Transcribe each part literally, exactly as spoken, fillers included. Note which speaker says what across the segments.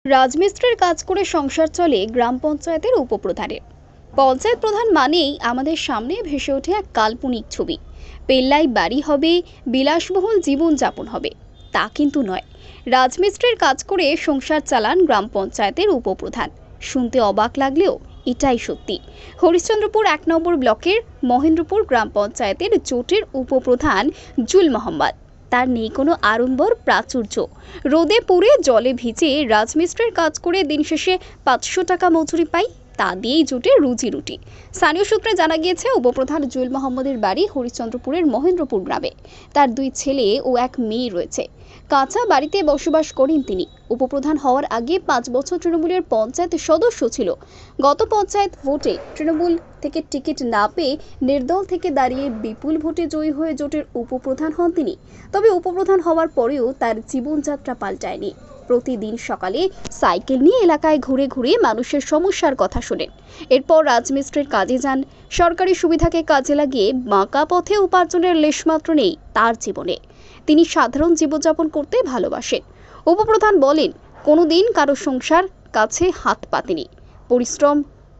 Speaker 1: রাজমিস্ত্রির কাজ করে সংসার চলে গ্রাম পঞ্চায়েতের উপপ্রধানের। পঞ্চায়েত প্রধান মানেই আমাদের সামনে ভেসে ওঠে এক কাল্পনিক ছবি। পেল্লাই বাড়ি হবে, বিলাসবহুল জীবনযাপন হবে, তা কিন্তু নয়। রাজমিস্ত্রির কাজ করে সংসার চালান গ্রাম পঞ্চায়েতের উপপ্রধান। শুনতে অবাক লাগলেও এটাই সত্যি। হরিশ্চন্দ্রপুর এক নম্বর ব্লকের মহেন্দ্রপুর গ্রাম পঞ্চায়েতের জোটের উপপ্রধান জুল মোহাম্মদ। তার নেই কোনো আড়ম্বর প্রাচুর্য। রোদে পুড়ে জলে ভিজে রাজমিস্ত্রির কাজ করে দিন শেষে পাঁচশো টাকা মজুরি পাই, তা দিয়েই জুটে রুজি রুটি। স্থানীয় সূত্রে জানা গিয়েছে, উপপ্রধান জুয়েল মোহাম্মদের বাড়ি হরিশ্চন্দ্রপুরের মহেন্দ্রপুর গ্রামে। তার দুই ছেলে ও এক মেয়ে রয়েছে। কাঁচা বাড়িতে বসবাস করেন তিনি। উপপ্রধান হওয়ার আগে পাঁচ বছর তৃণমূলের পঞ্চায়েত সদস্য ছিল। গত পঞ্চায়েত ভোটে তৃণমূল থেকে টিকিট না পেয়ে নির্দল থেকে দাঁড়িয়ে বিপুল ভোটে জয়ী হয়ে জোটের উপপ্রধান হন তিনি। তবে উপপ্রধান হওয়ার পরেও তার জীবনযাত্রা পাল্টায়নি। প্রতিদিন সকালে সাইকেল নিয়ে এলাকায় ঘুরে ঘুরে মানুষের সমস্যার কথা শোনেন। এরপর রাজমিস্ত্রির কাজে যান। সরকারি সুবিধাকে কাজে লাগিয়ে বাঁকা পথে উপার্জনের লেশমাত্র নেই তার জীবনে। তিনি সাধারণ জীবনযাপন করতে ভালোবাসেন। উপপ্রধান বলেন, কোনোদিন কারো সংসার কাছে হাত পাতেনি। পরিশ্রম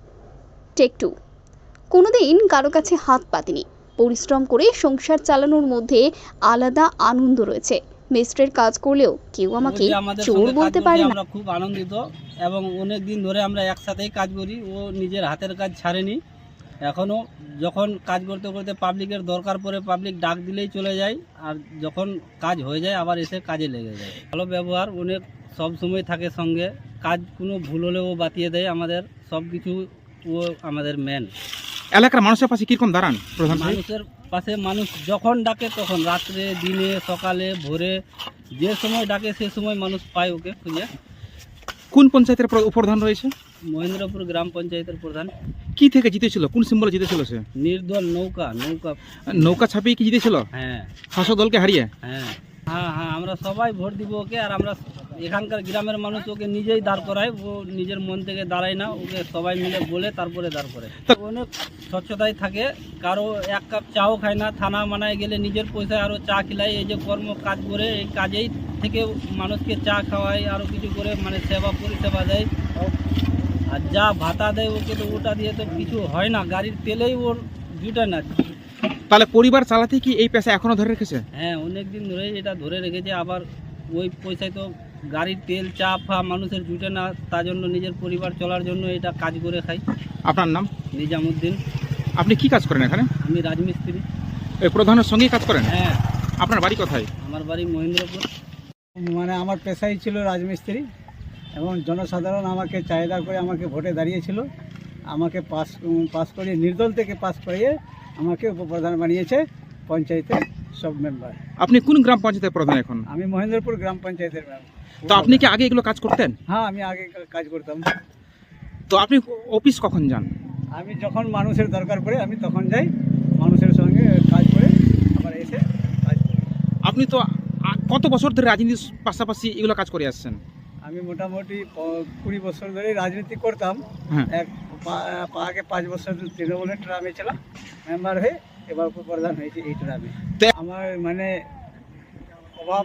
Speaker 1: টেক টু কোনোদিন কারো কাছে হাত পাতেনি। পরিশ্রম করে সংসার চালানোর মধ্যে আলাদা আনন্দ রয়েছে। মিস্ত্রির কাজ করলেও কেউ আমাকে চোর বলতে পারে না।
Speaker 2: আমরা খুব আনন্দিত এবং অনেক দিন ধরে আমরা একসাথেই কাজ করি। ও নিজের হাতের কাজ ছাড়েনি। এখনও যখন কাজ করতে করতে পাবলিকের দরকার পড়ে পাবলিক ডাক দিলেই চলে যায়, আর যখন কাজ হয়ে যায় আবার এসে কাজে লেগে যায়। ভালো ব্যবহার, অনেক সব সময় থাকে সঙ্গে। কাজ কোনো ভুল হলেও বাতিয়ে দেয় আমাদের, সব কিছু ও আমাদের মেন।
Speaker 3: এলাকার মানুষের পাশে কিরকম দাঁড়ান প্রধান?
Speaker 2: মানুষের পাশে মানুষ যখন ডাকে তখন, রাত্রে, দিনে, সকালে, ভোরে, যে সময় ডাকে সে সময় মানুষ পায় ওকে খুঁজে।
Speaker 3: কোন পঞ্চায়েতের উপপ্রধান রয়েছে?
Speaker 2: মহেন্দ্রপুর গ্রাম পঞ্চায়েতের প্রধান।
Speaker 3: কি থেকে জিতেছিল? কোন সিম্বলে জিতেছিল সে?
Speaker 2: নির্দল নৌকা নৌকা
Speaker 3: নৌকা ছাপিয়ে কি জিতেছিল?
Speaker 2: হ্যাঁ
Speaker 3: শাসক দলকে হারিয়ে।
Speaker 2: হ্যাঁ হ্যাঁ হ্যাঁ আমরা সবাই ভোট দিব ওকে। আর আমরা এখানকার গ্রামের মানুষ ওকে নিজেই দাঁড় করায়। ও নিজের মন থেকে দাঁড়ায় না, ওকে সবাই মিলে বলে তারপরে দাঁড় করে। অনেক স্বচ্ছতায় থাকে। কারো এক কাপ চাও খায় না। থানা মানায় গেলে নিজের পয়সায় আরও চা খিলায়। এই যে কর্ম কাজ করে, এই কাজেই থেকে মানুষকে চা খাওয়ায়, আরও কিছু করে মানে সেবা পরিষেবা দেয়। আর যা ভাতা দেয় ওকে, তো ওটা দিয়ে তো কিছু হয় না। গাড়ির তেলেই ওর জুটে না।
Speaker 3: তাহলে পরিবার চালাতে কি এই পেশা এখনো ধরে রেখেছে?
Speaker 2: হ্যাঁ, অনেক দিন ধরেই এটা ধরে রেখেছে। আবার ওই পয়সায় তো গাড়ির তেল, চা ফা মানুষের জুটে না, তার জন্য নিজের পরিবার চলার জন্য এটা কাজ করে খাই।
Speaker 3: আপনার নাম?
Speaker 2: নিজামুদ্দিন।
Speaker 3: আপনি কি কাজ করেন এখানে?
Speaker 2: আমি রাজমিস্ত্রি।
Speaker 3: এই প্রধানের সঙ্গেই কাজ করেন?
Speaker 2: হ্যাঁ।
Speaker 3: আপনার বাড়ি কোথায়?
Speaker 2: আমার বাড়ি মহেন্দ্রপুর।
Speaker 4: মানে আমার পেশাই ছিল রাজমিস্ত্রি, এবং জনসাধারণ আমাকে চাহিদা করে আমাকে ভোটে দাঁড়িয়েছিল। আমাকে পাস পাস করিয়ে, নির্দল থেকে পাস করিয়ে আমাকে উপপ্রধান বানিয়েছে পঞ্চায়েতের সব মেম্বার।
Speaker 3: আপনি কোন গ্রাম পঞ্চায়েতের প্রধান এখন?
Speaker 4: আমি মহেন্দ্রপুর গ্রাম পঞ্চায়েতের মেম্বার।
Speaker 3: তো আপনি কি আগে এগুলো কাজ করতেন?
Speaker 4: হ্যাঁ, আমি আগে কাজ করতাম।
Speaker 3: তো আপনি অফিস কখন যান?
Speaker 4: আমি যখন মানুষের দরকার পড়ে আমি তখন যাই, মানুষের সঙ্গে কাজ করে আবার এসে কাজ করি।
Speaker 3: আপনি তো কত বছর ধরে রাজনীতির পাশাপাশি এগুলো কাজ করে আসছেন?
Speaker 4: আমি মোটামুটি কুড়ি বছর ধরে রাজনীতি করতাম।
Speaker 3: হ্যাঁ।
Speaker 4: এক আগে পাঁচ বছর তৃণমূলের ট্রামে ছিলাম মেম্বার হয়ে, এবার উপপ্রধান হয়েছে এই ট্রামে। আমার মানে অভাব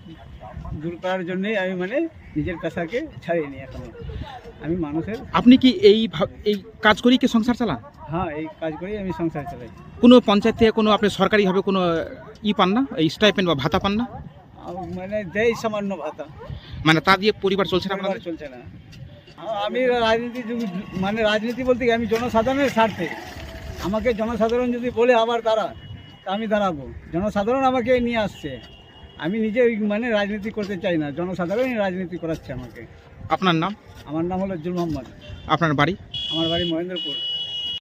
Speaker 4: দূর করার জন্যই আমি মানে নিজের পেশাকে ছাড়িয়ে নিই। এখন আমি মানুষের।
Speaker 3: আপনি কি এই এই কাজ করেই কি সংসার চালান?
Speaker 4: হ্যাঁ, এই কাজ করেই আমি সংসার চালাই।
Speaker 3: কোনো পঞ্চায়েত থেকে কোনো আপনি সরকারিভাবে কোনো ই পান না, এই স্টাইপেন্ড বা ভাতা পান না?
Speaker 4: মানে দেয় সামান্য ভাতা,
Speaker 3: মানে তা দিয়ে পরিবার চলছে না?
Speaker 4: পরিবার চলছে না। আমি রাজনীতি মানে রাজনীতি বলতে কি, আমি জনসাধারণের স্বার্থে। আমাকে জনসাধারণ যদি বলে আবার দাঁড়া, তা আমি দাঁড়াবো। জনসাধারণ আমাকে নিয়ে আসছে, আমি নিজে মানে রাজনীতি করতে চাই না, জনসাধারণই রাজনীতি করাচ্ছে আমাকে।
Speaker 3: আপনার নাম?
Speaker 4: আমার নাম হলো জুল মোহাম্মদ।
Speaker 3: আপনার বাড়ি?
Speaker 4: আমার বাড়ি মহেন্দ্রপুর।